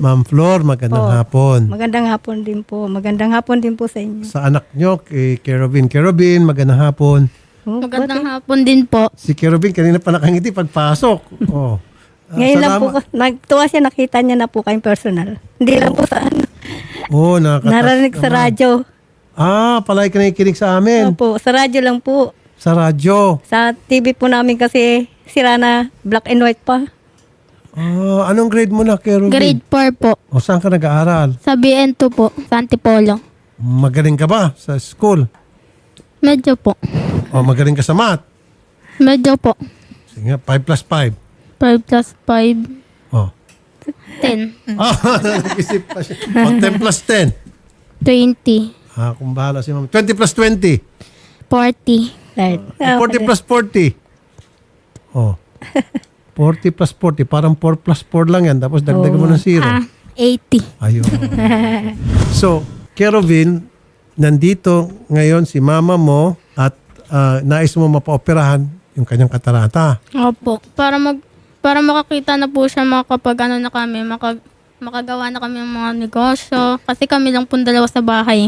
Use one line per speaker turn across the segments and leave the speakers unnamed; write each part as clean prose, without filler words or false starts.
Ma'am Flor, magandang
Po.
hapon.
Magandang hapon din po. Magandang hapon din po sa inyo.
Sa anak nyo, kay Kerobin. Kerobin, magandang hapon.
Oh,
Magandang hapon din po.
Si Kerobin, kanina pa nakangiti pagpasok. Oh.
Ngayon lang po,
salamat.
nagtuwa siya, nakita niya na po kayong personal. Hindi lang po sa ano.
Oh, nakakatas
Narinig sa
naman.
radyo.
Palagi ka nakikinig sa amin.
Opo, sa radyo lang po.
Sa radyo.
Sa TV po namin kasi sira na, black and white pa.
Anong grade mo na, Kerobin?
Grade 4 po.
O saan ka nag-aaral?
Sa BN2 po, sa Antipolo.
Magaling ka ba sa school?
Medyo po.
O magaling ka sa math?
Medyo po.
Sige nga, 5 plus 5.
5 plus 5,
Oh.
10.
Nag-isip pa siya. O, 10 plus 10.
20.
Kung bahala si ma'am. 20 plus 20.
40.
Right.
40 plus 40. Oh. 40 plus 40. Parang 4 plus 4 lang yan. Tapos dagdagan mo ng 0.
80.
Ayun. So, Kerobin, nandito ngayon si mama mo at nais mo mapaoperahan yung kanyang katarata.
Opo. Para makakita na po siya makapag ano na kami, makagawa na kami ng mga negosyo. Kasi kami lang po dalawa sa bahay.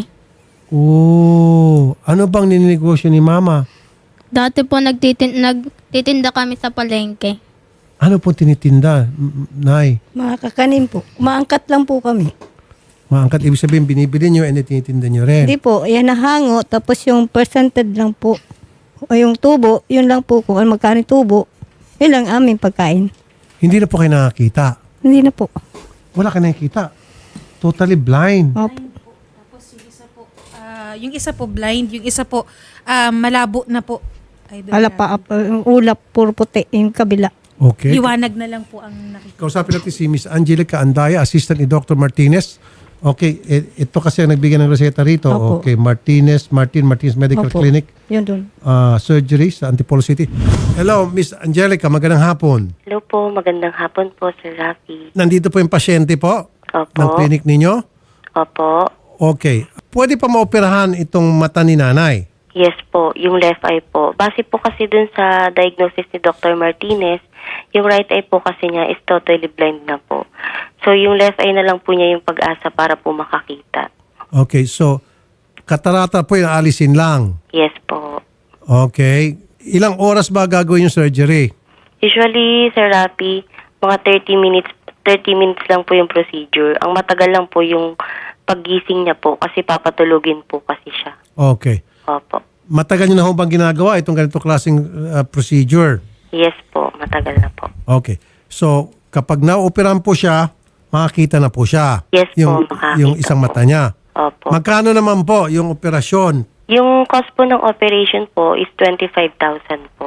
Ano bang nininegosyo ni mama?
Dati po nagtitinda kami sa palengke.
Ano po tinitinda, Nay?
Mga kakanin po. Umaangkat lang po kami.
Maangkat, ibig sabihin, binibili nyo and tinitinda nyo rin.
Hindi po, yan nahango. Tapos yung percentage lang po. O yung tubo, yun lang po. Kung ano magkano yung tubo, yun lang aming pagkain.
Hindi na po kayo nakakita.
Hindi na po.
Wala ka nakikita. Totally blind.
Opo.
Tapos yung isa po blind, yung isa po malabo na po. Idol
Ala pa, yung ulap, puro puti, yung kabila.
Okay.
Liwanag na lang po ang nakikita.
Kausapin natin si Miss Angelica Andaya, assistant ni Dr. Martinez. Okay, ito kasi ang nagbigay ng reseta rito.
Opo.
Okay, Martinez Medical
Opo.
Clinic,
Yun dun.
surgery sa Antipolo City. Hello, Miss Angelica, magandang hapon.
Hello po, magandang hapon po, Sir Rafi.
Nandito po yung pasyente po
Opo.
ng clinic ninyo.
Opo.
Okay. Pwede pa maoperahan itong mata ni nanay?
Yes po, yung left eye po. Base po kasi dun sa diagnosis ni Dr. Martinez, yung right eye po kasi niya is totally blind na po. So yung left eye na lang po niya yung pag-asa para po makakita.
Okay, so katarata po yung alisin lang.
Yes po.
Okay. Ilang oras ba gagawin yung surgery?
Usually, Sir Rafi, mga 30 minutes lang po yung procedure. Ang matagal lang po yung paggising niya po kasi papatulugin po kasi siya.
Okay.
Opo.
Matagal nyo na ho bang ginagawa itong ganito klaseng procedure?
Yes po, matagal na po.
Okay. So, kapag na-operahan po siya, makakita na po siya.
Yes po,
yung,
makakita
yung isang
po.
mata niya.
Opo.
Magkano naman po yung operasyon?
Yung cost po ng operation po is 25,000 po.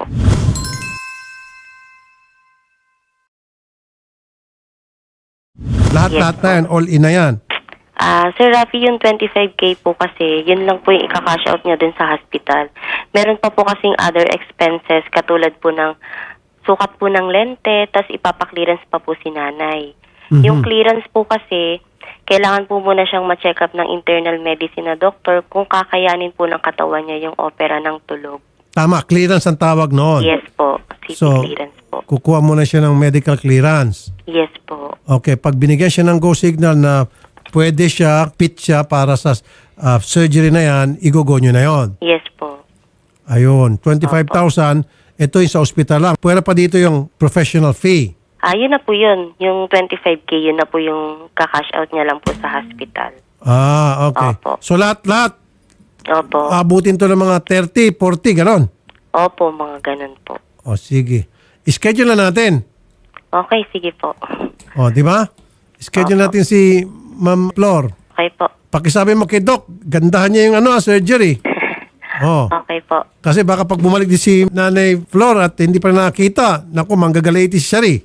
Lahat-lahat na yan, all in na yan.
Sir Rafi, yung 25K po kasi, yun lang po yung ika-cash out niya dun sa hospital. Meron pa po kasing other expenses katulad po ng sukat po ng lente, tas ipapaklearance pa po si nanay. Yung clearance po kasi, kailangan po muna siyang ma-check up ng internal medicine na doktor kung kakayanin po ng katawan niya yung opera ng tulog.
Tama, clearance ang tawag noon.
Yes po, CT
So,
clearance po.
kukuha muna siya ng medical clearance.
Yes po.
Okay, pag binigyan siya ng go signal na pwede siya, fit siya para sa surgery na yan, igogo nyo na yon.
Yes po.
Ayun, 25,000. Ito yung sa ospital lang. Pwede pa dito yung professional fee.
Yun na po yun. Yung 25K, yun na po yung kakash out niya lang po sa hospital.
Okay.
Opo.
So lahat,
Opo.
abutin to ng mga 30, 40, ganon.
Opo, mga ganun po.
O sige. Schedule na natin.
Okay, sige po.
O, di ba? Schedule natin si Ma'am Flor.
Okay po.
Pakisabi mo kay Doc, gandahan niya yung surgery. Oh.
Okay po.
Kasi baka pag bumalik din si Nanay Flor at hindi pa nakita, naku, manggagalaiti si Shari.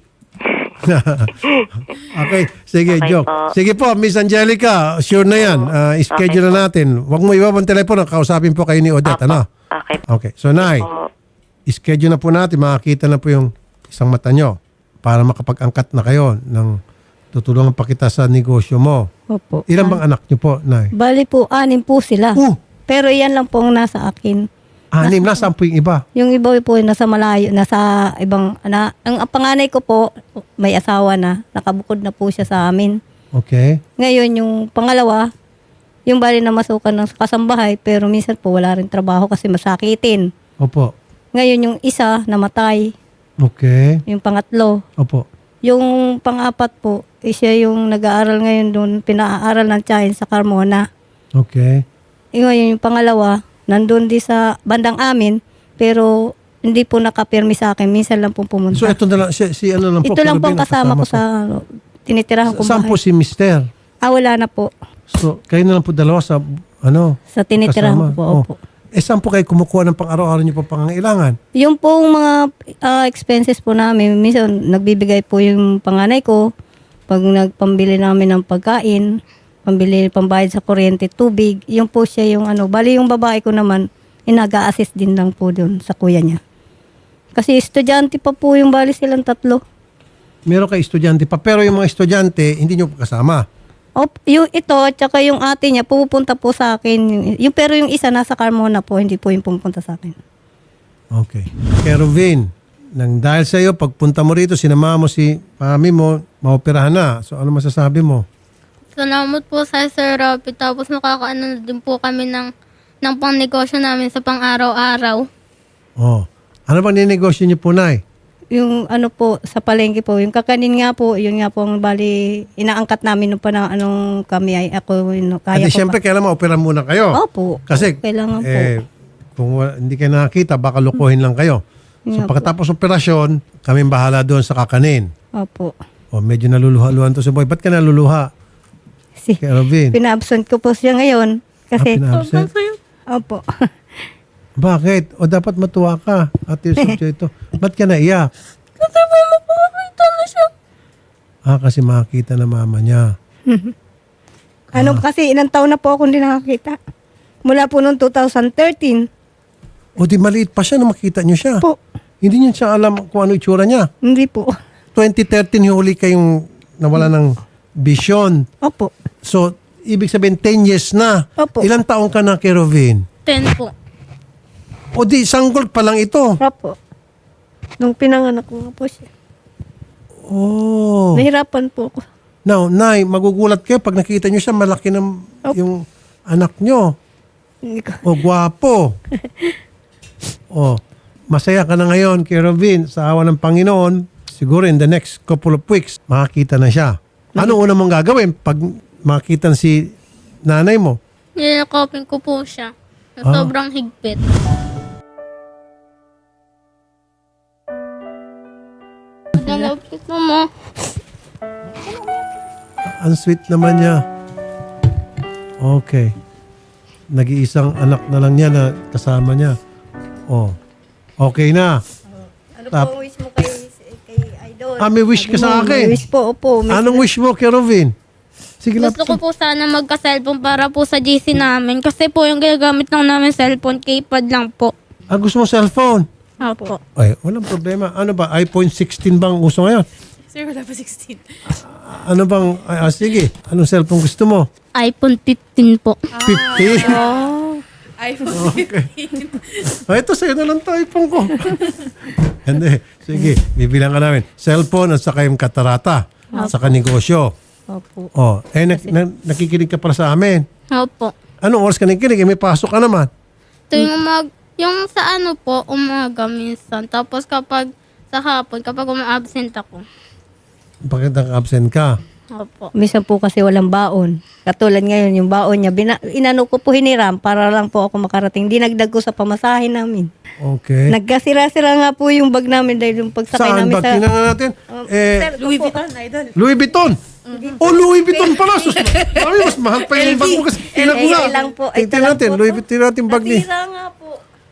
Okay, sige,
Okay
joke.
po.
Sige po, Miss Angelica, sure na yan. Schedule na natin. Huwag mo iwabang telepono, kausapin po kayo ni Odette, ano?
Okay po.
Okay, so Nay, schedule na po natin, makakita na po yung isang mata nyo para makapag-angkat na kayo ng tutulungan pa kita sa negosyo mo.
Opo.
Ilan bang anak nyo po, Nay?
Bali po, 6 po sila. Pero yan lang po ang nasa akin.
6, nasaan po yung iba?
Yung iba po nasa malayo, nasa ibang, ang panganay ko po, may asawa na, nakabukod na po siya sa amin.
Okay.
Ngayon, yung pangalawa, yung bali na masukan ng kasambahay, pero minsan po wala rin trabaho kasi masakitin.
Opo.
Ngayon, yung isa, namatay.
Okay.
Yung pangatlo.
Opo.
Yung pang-apat po, siya yung nag-aaral ngayon doon, pinaaral ng Chain sa Carmona.
Okay.
Ngayon, yung pangalawa, nandun di sa bandang amin, pero hindi po nakapirmi sa akin. Minsan lang po pumunta.
So ito na lang, si ano lang po.
Ito lang po
Kerubin,
ang kasama ko
po.
sa tinitirahan kong
Saan
bahay.
po si Mister?
Wala na po.
So kayo na lang po dalawa sa ano?
Sa tinitirahan ko
kasama?
po.
Oh.
Opo.
Saan po kayo kumukuha ng pang-araw-araw niyo po pangangailangan?
Yung pong mga expenses po namin, minsan nagbibigay po yung panganay ko pag nagpambili namin ng pagkain, pambayad sa kuryente, tubig, yung po siya yung ano. Bali yung babae ko naman, inaga-assist din lang po doon sa kuya niya. Kasi estudyante pa po yung bali silang tatlo.
Meron kayo estudyante pa, pero yung mga estudyante, hindi niyo po kasama.
Yung ito, tsaka yung ate niya, pupunta po sa akin. Pero yung isa nasa Carmona po, hindi po yung pupunta sa akin.
Okay. Kerubin, nang dahil sa iyo, pagpunta mo rito, sinama mo si mami mo, maoperahan na. So ano masasabi mo?
Salamat po sa Sir Rafi. Tapos nakakaano na din po kami ng pangnegosyo namin sa pang-araw-araw.
Oh. Ano bang ninegosyo niyo po, Nay?
Yung ano po, sa palengke po, yung kakanin nga po, yun nga po ang bali, inaangkat namin nung panang anong kami ay ako, kaya
At
ko
siyempre, kailangan ma-opera muna kayo.
Opo.
Kasi,
Kailangan po.
kung hindi kayo nakakita, baka lukuhin lang kayo. So,
Nga po.
pagkatapos operasyon, kami bahala doon sa kakanin.
Opo.
O, medyo naluluha-luhan to si Boy. Ba't ka naluluha?
Si,
Kerubin.
pina-absent ko po siya ngayon. Kasi,
Pina-absent?
opo.
Bakit? O dapat matuwa ka. Ate Yusuf ito. Ba't ka naiyak?
Kasi po makakita na siya.
Kasi makakita na mama niya.
Ano kasi, ilang taon na po ako hindi nakakita. Mula po noong 2013.
O di maliit pa siya na makita niyo siya.
Po.
Hindi niya siya alam kung ano itsura niya.
Hindi po.
2013 huli kayong nawala ng vision.
Opo.
So, ibig sabihin 10 years na.
Opo.
Ilang taong ka na, Kerubin?
10 po.
O di, sanggol pa lang ito.
Opo. Nung pinanganak ko nga po siya.
Oh.
Nahirapan po ako.
Now, Nay, magugulat kayo pag nakita niyo siya, malaki ng yung anak niyo.
Hindi ko.
O, gwapo. O, masaya ka na ngayon, Kerubin, sa awa ng Panginoon. Siguro in the next couple of weeks, makakita na siya. Ano una mong gagawin pag makita si nanay mo?
Nilakopin ko po siya. Na sobrang higpit. Nalapit mo.
Ang sweet naman niya. Okay. Nag-iisang anak na lang niya na kasama niya. Oh. Okay na.
Ano po ang wish mo kay Idol?
May wish ka sa akin.
May wish po, opo.
Anong wish mo, Kerubin? Sige,
Gusto ko po sana magka-cellphone para po sa GC namin. Kasi po yung ginagamit lang namin cellphone, keypad lang po.
gusto mo cellphone?
Opo.
Ay, walang problema. Ano ba? iPhone 16 bang uso ngayon?
Sir, wala pa 16.
Ano bang, sige. Anong cellphone gusto mo?
iPhone 15 po.
50?
iPhone
Ito, sa'yo na lang to, iPhone ko. Hindi. Sige, bibilang ka namin. Cellphone at saka yung katarata. At saka negosyo.
Opo.
Nakikinig ka para sa amin.
Opo.
Anong oras ka nakikinig? May pasok ka naman.
Yung sa ano po, umaga minsan. Tapos kapag sa hapon, kapag uma-absent ako.
Bakit absent ka?
Opo.
Minsan po kasi walang baon. Katulad ngayon, yung baon niya, inano ko po hiniram para lang po ako makarating. Dinagdag ko sa pamasahe namin.
Okay.
Nagkasira-sira nga po yung bag namin dahil yung pagsakay
Saan
namin
ba?
sa...
Tingnan nga natin.
Louis Vuitton, Idol.
Louis Vuitton. Louis Vuitton pala. Mas mahal pa yung bag mo kasi. Tingnan ko nga.
lang po. Ito
Tingnan
lang
natin.
po
Louis
to.
Vuitton natin bag ni.
Nasira nga po.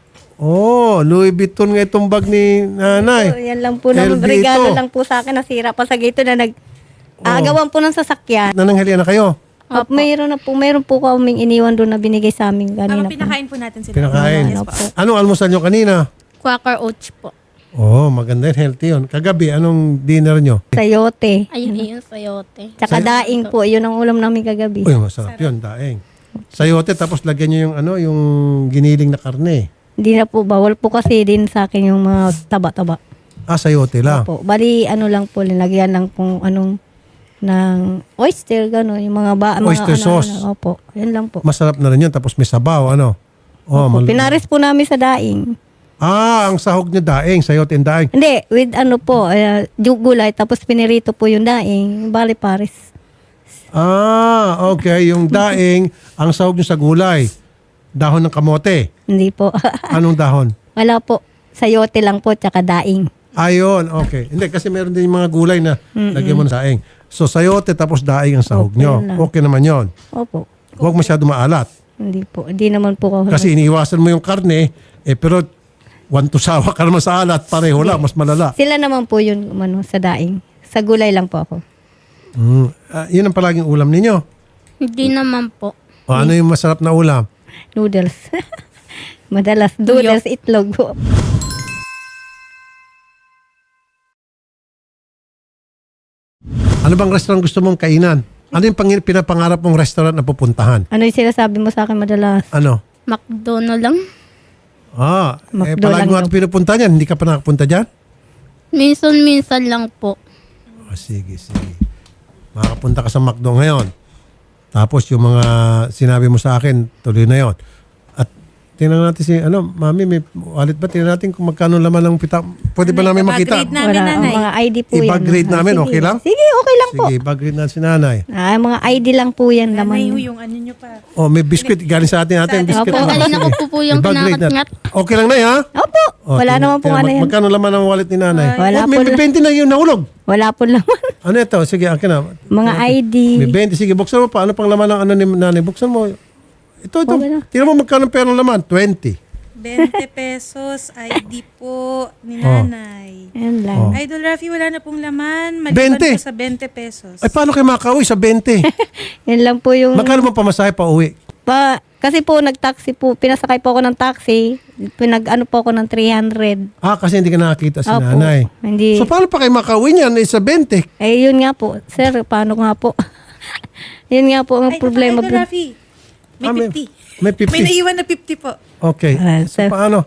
Louis Vuitton nga itong bag ni nanay.
So, yan lang po naman.
LV
Regalo
ito.
lang po sa akin. Nasira pa sa gito na agawan po ng sasakyan.
Nananghalian na kayo.
Mayroon po kaming iniwan doon na binigay sa amin kanina po.
Pinakain po natin sila.
Pinakain.
Yes po.
Anong almusal nyo kanina?
Quaker Oats po.
Maganda yun. Healthy yun. Kagabi, anong dinner nyo?
Sayote.
Ayun, yun, sayote.
Tsaka daing po. Yun ang ulam namin kagabi.
Uy, masarap yun. Daing. Sayote, tapos lagyan nyo yung giniling na karne.
Hindi na po. Bawal po kasi din sa akin yung mga taba-taba.
Sayote lang.
Po. Bali, ano lang po. Linagyan lang kung anong ng oyster, gano'n. Yung mga
Oyster
mga
sauce.
opo, yan lang po.
Masarap na rin yun. Tapos may sabaw, ano? Oh,
Opo, pinares po namin sa daing.
ang sahog niyo daing, sayote and daing.
Hindi, with ano po, gulay, tapos pinirito po yung daing, bali pares.
Okay. Yung daing, ang sahog niyo sa gulay. Dahon ng kamote.
Hindi po.
Anong dahon?
Wala po. Sayote lang po, tsaka daing.
Ayun, okay. Hindi, kasi meron din yung mga gulay na lagyan mo ng daing. So, sayote tapos daing ang sahog
Okay
nyo.
lang.
Okay naman yon.
Opo.
Huwag masyado maalat.
Hindi po. Hindi naman po ako.
Kasi iniiwasan mo yung karne, pero sawa ka naman sa alat, pareho lang, mas malala.
Sila naman po yun sa daing. Sa gulay lang po ako.
Yun ang palaging ulam ninyo.
Hindi naman po.
O ano yung masarap na ulam?
Noodles. Madalas noodles, itlog po.
Ano bang restaurant gusto mong kainan? Ano yung pinapangarap mong restaurant na pupuntahan?
Ano yung sinasabi mo sa akin madalas?
Ano?
McDonald's lang.
Palagi
McDo
mo
lang
ito pinupunta niyan. Hindi ka pa nakapunta dyan?
Minsan-minsan lang po.
Sige. Makakapunta ka sa McDo ngayon. Tapos yung mga sinabi mo sa akin, tuloy na yon. At tingnan natin mami, may wallet ba? Tingnan natin kung magkano laman ng pita. Pwede ba namin makita?
Iba-grade namin, nanay.
Mga ID po yan.
I-bag-grade namin,
Sige.
okay lang?
Sige, okay lang po.
Sige, bag-grade natin si nanay.
Mga ID lang po yan.
Nanay,
Laman.
yung ano nyo pa.
May biscuit. Galing sa atin biscuit.
Opo.
Kanina ko po yung
I-bag-grade
kinakatngat.
natin. Okay lang na ha?
Opo. Wala naman po ano yan.
Magkano laman ng wallet ni nanay?
Wala
may
po
20 na yung nahulog.
Wala po laman.
Ano ito? Sige, akin na.
Mga ID.
May 20. Sige, buksan mo pa. Ano pang laman ng ano ni nanay? Buksan mo. Ito.
Okay na.
Tingnan mo magkano perang laman. 20.
20 pesos, ID po ni nanay.
Yan lang.
Idol Rafi, wala na pong laman. Maliban
20?
po sa 20 pesos.
Ay, paano kayo makauwi sa 20?
Yan lang po yung...
Magkano mo pamasahe pa uwi?
Kasi po nag-taxi po, pinasakay po ako ng taxi, pinag-ano po ako ng 300.
Kasi hindi ka nakakita si
Opo.
nanay.
Hindi.
So, paano pa kayo makauwi niyan? Sa 20.
Yun nga po. Sir, paano nga po? Yun nga po ang
Ay,
problema.
Idol Rafi, may 50.
May 50.
May naiwan na 50 po.
Okay. So,
Sir.
paano?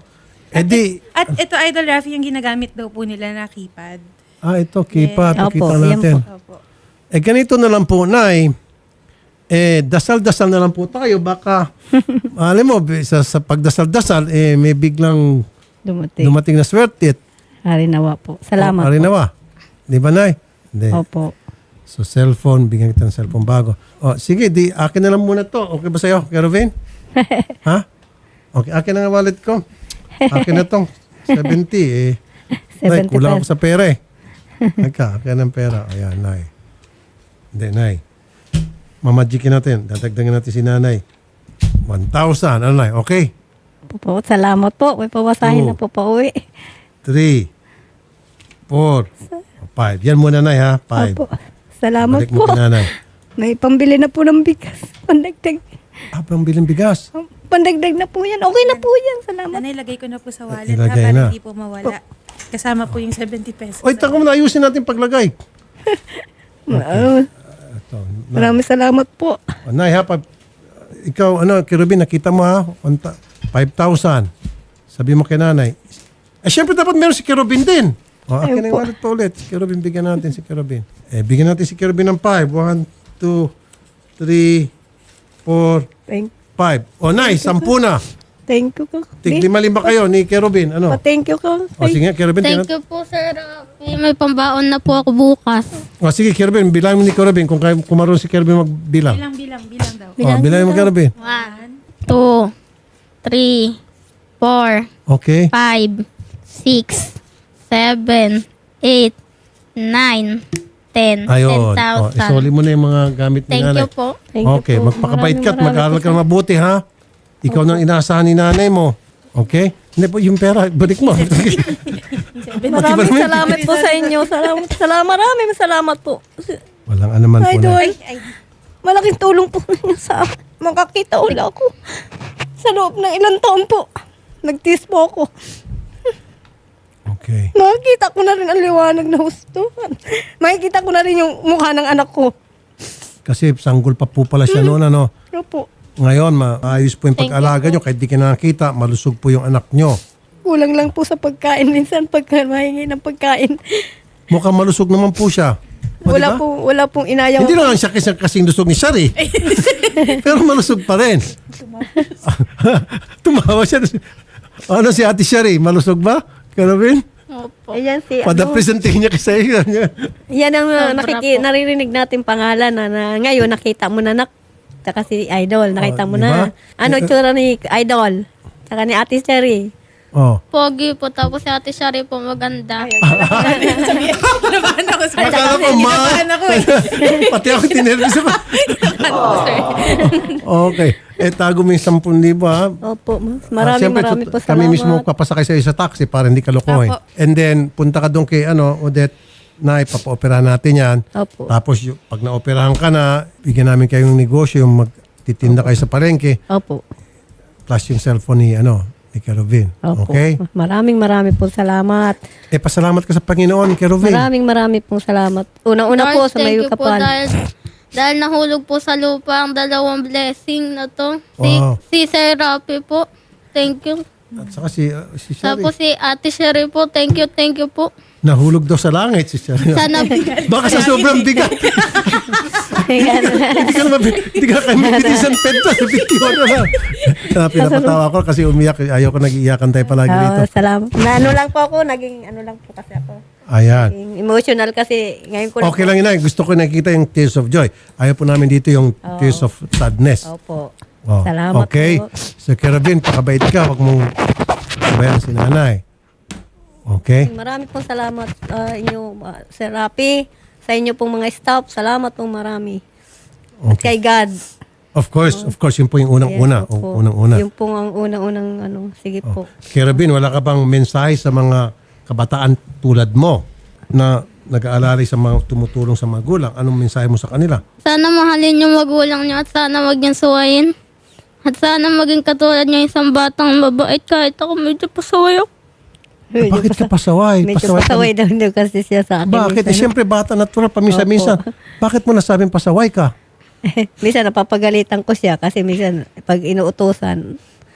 At ito, Idol Rafi, yung ginagamit daw po nila na keypad.
Ito, kipa.
Opo,
Kita
yan
natin.
Opo.
Ganito na lang po, Nay. Dasal-dasal na lang po tayo. Baka, alam mo, sa pagdasal-dasal, may biglang dumating na swerte.
Harinawa po. Salamat po.
Arinawa. Di ba, Nay? Hindi.
Opo.
So, cellphone, bigyan kita ng cellphone bago. Sige, akin na lang muna to. Okay ba sa'yo, Kerovin? Ha? Okay, akin na nga wallet ko. Akin na tong 70. Nay,
70
kulang ako sa pera eh. Akin ng pera. Ayan, Nay. Hindi, Nay. Mamagikin natin. Dadagdagan natin si Nanay. 1,000. Ano, Nay? Okay?
Po, salamat po. May pawasahin na po pa uwi.
3, 4, 5. Yan muna, Nay, ha? 5.
Opo. Salamat
Balik mo
po.
kay Nanay.
May pambili na po ng bigas. Pandagdag.
Pang bilang bigas.
Pandagdag na po yan. Okay na po yan. Salamat.
Nanay, lagay ko na po sa wallet
Ilagay
ha,
na.
para hindi po mawala. Kasama po yung 70 pesos.
Oy, taka mo na. Ayusin natin paglagay. Ito.
Maraming salamat po.
Nay, ha? Ikaw, Kerubin, nakita mo ha? 5,000. Sabi mo kay Nanay. Siyempre dapat meron si Kerubin din. Akin ang wallet pa ulit. Si Kerubin, bigyan natin si Kerubin. Bigyan natin si Kerubin ng 5. 1, 2, 3, 4, 5. Nay, 10 na.
Thank you ko.
Tig-5 kayo ni Kerubin. Ano?
Thank you ko.
Sige nga, Kerubin.
Thank you po, Sir Rafi. May pambaon na po ako bukas.
Sige, Kerubin. Bilangin mo ni Kerubin kung marunong si Kerubin magbilang.
Bilang daw.
Bilangin mo, Kerubin.
1, 2, 3, 4,
Okay.
5, 6, 7, 8, 9, 10.
Ayun.
10,000.
Isoli mo na yung mga gamit ni
Thank
Nanay.
you po.
Thank you
Okay,
po.
magpakabait ka at
Maraming
mag-aaral ka na mabuti, ha? Ikaw nang inaasahan ni nanay mo. Okay? Hindi po, yung pera, balik mo.
Maraming salamat po sa inyo. Maraming salamat po.
Walang anuman po
Idol,
na.
malaking tulong po ninyo sa akin. Makakita ulit ako. Sa loob ng ilang taon po. Nagtiis po ako.
Okay.
Makikita ko na rin ang liwanag na husto. Makikita ko na rin yung mukha ng anak ko.
Kasi sanggol pa po pala siya noon, ano?
Opo.
Ngayon, maayos po yung pag-alaga nyo. Kahit di ka nakakita, malusog po yung anak nyo.
Kulang lang po sa pagkain. Minsan pagka mahingi ng pagkain.
Mukhang malusog naman po siya. O,
Wala
diba?
wala pong inayang.
Hindi naman siya kasing lusog ni Shari. Pero malusog pa rin. Tumawa siya. Ano si Ate Shari? Malusog ba? Karabin?
Opo.
Ayan si
Pada-presenting niya kasi iyo.
Yan ang
Sobra po.
naririnig natin pangalan na ngayon nakita mo na tsaka si Idol, nakita mo
diba?
na. Ano itsura ni Idol? Tsaka ni Ate Cherry.
Oh.
Pogi po. Tapos si Ate Shari po maganda.
Nabahan ako sa
Akala ko,
Nabahan ako eh.
Pati ako tinervous ako. Okay. Tago mo yung 10,000 ha.
Opo, marami
Siyempre,
po salamat.
kami mismo papasakay sa'yo sa taxi para hindi ka lokohin.
Opo.
And then, punta ka doon kay Odette, na ipapa-opera natin yan.
Opo.
Tapos, pag na-operahan ka na, bigyan namin kayong negosyo, yung magtitinda kayo sa palengke,
Opo.
plus yung cellphone ni Kerovin.
Opo.
Okay?
Maraming po salamat.
Pasalamat ka sa Panginoon, Kerovin.
Maraming pong salamat. Unang-una po
Lord,
sa may
thank you po
kapal.
dahil nahulog po sa lupa ang dalawang blessing na to.
Wow.
Si Sir Rafi po. Thank you.
At saka si Shari.
Tapos si Ate Sherry po. Thank you po.
Nahulog daw sa langit si Shari.
Sana
Baka sa sobrang bigat. Hindi ka kayo magtitisan pento. Bitiwan na lang. Pinapatawa ko kasi umiyak. Ayaw ko nag-iiyakan tayo palagi rito.
Salamat. Na ano lang po ako, naging ano lang po kasi ako.
Ayan.
Naging emotional kasi ngayon ko
Okay lang yun. Gusto ko nakikita yung tears of joy. Ayaw po namin dito yung tears of sadness.
Opo.
Oh,
Salamat
okay.
po.
So, Kerovin, pakabait ka. Huwag mong sabayan si nanay. Okay?
Marami pong salamat inyo, Sir Rapi, sa inyo pong mga staff. Salamat pong marami. At
Okay.
kay God.
Of course, yun po yung unang-una.
Yes, opo.
Unang-una.
Yung pong ang unang-unang sige po.
Kerovin, wala ka bang mensahe sa mga kabataan tulad mo na nag-aalalay sa mga tumutulong sa magulang? Anong mensahe mo sa kanila?
sana mahalin yung magulang niyo at sana wag niyang suwayin. At sana maging katulad niya isang batang mabait kahit ako medyo pasaway ako.
Bakit ka pasaway?
Medyo pasaway daw daw kasi siya sa akin.
Bakit? Siyempre, bata natural, paminsan-minsan. Bakit mo nasabing pasaway ka?
Minsan napapagalitan ko siya kasi minsan pag inuutosan,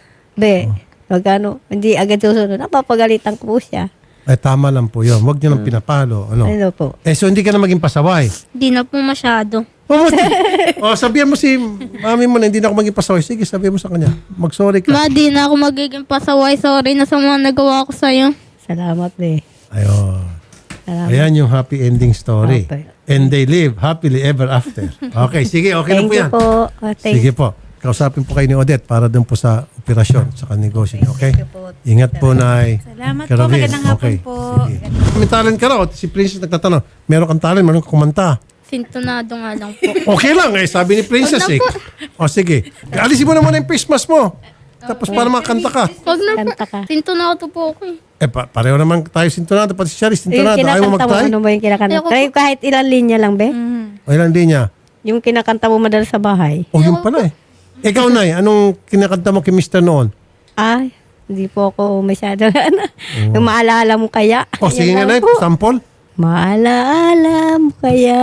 pag hindi agad susunod, napapagalitan ko po siya.
Ay, tama lang po yun. Huwag nyo nang pinapalo. Ano?
Ano po?
So hindi ka na maging pasaway.
Di na po masyado.
Sabihan mo si mami mo na hindi na ako maging pasaway. Sige, sabihan mo sa kanya. Mag-sorry ka.
Ma, di na ako magiging pasaway. Sorry na sa mga nagawa ko sa'yo.
Salamat
Ayun.
Salamat.
Ayan yung happy ending story.
Okay.
And they live happily ever after. Okay, sige. Okay na
Thank
po
you
yan.
po.
Sige po. Kausapin po kayo ni Odette para dun po sa operasyon sa negosyo niyo. Okay? Ingat po, Nay.
Salamat po.
Kerovin,
Magandang hapon po.
Sige. May talent ka raw. Si Princess nagtatanong, meron kang talent, meron kang kumanta.
Sintonado nga lang po.
Okay lang eh, sabi ni Princess eh. O sige. Alisin mo na muna yung face mask mo. Tapos para makakanta ka.
Wag na po.
Kanta ka.
Sintonado po ako eh.
Pareho naman tayo sintonado. Pati si Charis
Yung
sintonado. Ayaw mo
kinakanta mo,
mag-try?
ano ba yung kinakanta?
Ayoko
Try kahit ilang linya lang, be.
O ilan din niya?
Yung kinakanta mo madalas sa bahay.
O yun pala eh. Ikaw, Nay, anong kinakanta mo kay Mr. noon?
Ay, hindi po ako masyado Yung maalala mo kaya.
O sige nga,
Yan
Nay,
lang po.
sample.
Maalala mo kaya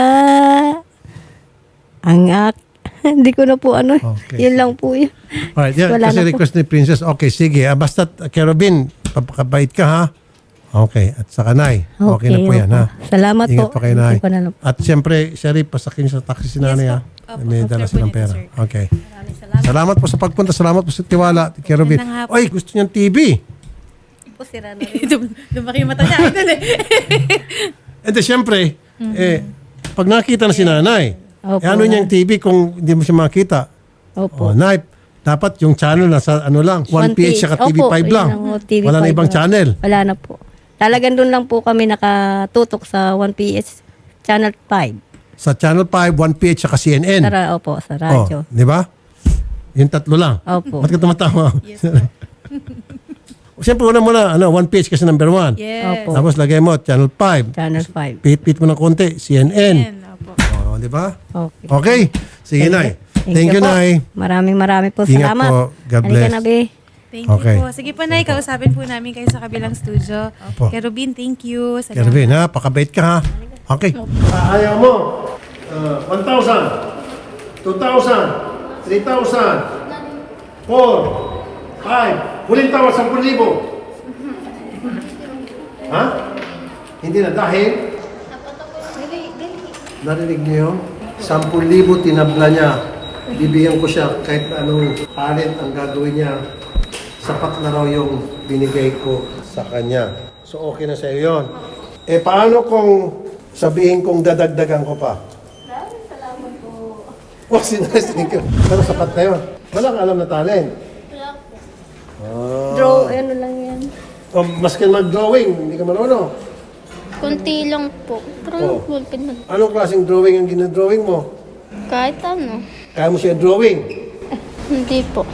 hindi ko na po
Okay.
Yun lang po yun.
Alright, yan,
Wala
kasi
na po.
request ni Princess. Okay, sige. Basta, Kerovin, papakabait ka ha. Okay, at saka Nay. Okay na po yan ha.
Salamat
Ingat
po.
po kayo, Nay.
Hindi ko na lang.
At siyempre, Sherry, pasakin sa taxi si Nanay ha.
Opo,
May dala
after po
silang
nito,
pera.
sir.
Okay. Salamat po sa pagpunta. Salamat po sa tiwala, Kerovin.
Magandang hapon.
Oy, gusto niyang TV.
Lumaki yung mata niya. Idol eh.
And then, siyempre, pag nakita na si Nanay,
Opo,
ano niyang TV kung hindi mo siya makita?
Opo.
Nay, dapat yung channel nasa lang, 1PH saka TV5
Opo,
lang.
yun lang, TV5
Wala na ibang
lang.
channel.
Wala na po. Talagang doon lang po kami nakatutok sa 1PS Channel 5.
Sa Channel 5, 1PH saka CNN.
Opo, sa radyo.
Di ba? Yung tatlo lang.
Opo.
Ba't ka tumatawa? Siyempre, una muna, 1PH kasi number 1.
Yes.
Opo.
Tapos lagay mo, Channel 5.
Channel 5.
Pit mo ng konti, CNN.
Yan, opo.
Oh, di ba?
Okay.
Okay. Sige, Nay. Thank you,
po.
Nay.
Maraming po
Ingat
salamat.
po. God
Halika
bless.
na, be.
Thank you
Okay.
po. Sige po, Nay. Kausapin po namin kayo sa kabilang studio.
Opo.
Kerubin, thank you. Salamat.
Kervin, ha? Pakabait ka, ha? Okay. Ayaw mo. 1,000. 2,000. 3,000. 4. 5. Huling tawad, 10,000. Ha? Hindi na dahil? Narinig niyo yun? 10,000 tinabla niya. Bibigyan ko siya kahit anong talent ang gagawin niya. Sapat na raw yung binigay ko sa kanya. So okay na sa'yo yun. Eh paano kung sabihin kong dadagdagan ko pa? Salamat po. Oh, sinasing ko. Pero sapat na yun. Walang alam na talent.
Draw, ano lang yan.
O, maski mag-drawing, hindi ka marunong.
Kunti lang po.
Oh.
Pero ballpen na.
Anong klaseng drawing ang ginadrawing mo?
Kahit ano.
Kaya mo siya drawing?
Hindi po.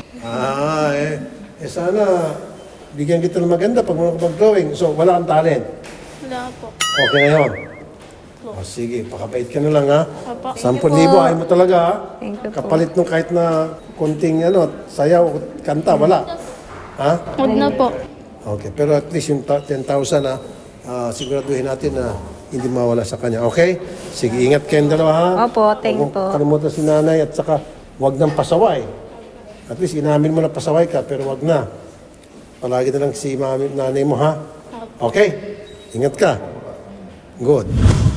Sana bigyan kita ng maganda pag mag-drawing. So, wala kang talent.
Wala po.
Okay na yun. O, sige, pakapait ka na lang ha.
Opo.
10,000, ayaw mo talaga ha.
Thank you po.
Kapalit nung kahit na konting sayaw o kanta, wala. Ha?
Huwag na po.
Okay, pero at least yung 10,000 ha, siguraduhin natin na hindi mawala sa kanya. Okay? Sige, ingat kayong dalawa ha.
Opo, thank you
Huwag
po.
mong kalimutan si nanay at saka huwag nang pasaway. At least inamin mo na pasaway ka, pero huwag na. Palagi na lang si nanay mo ha. Okay? Ingat ka. Good.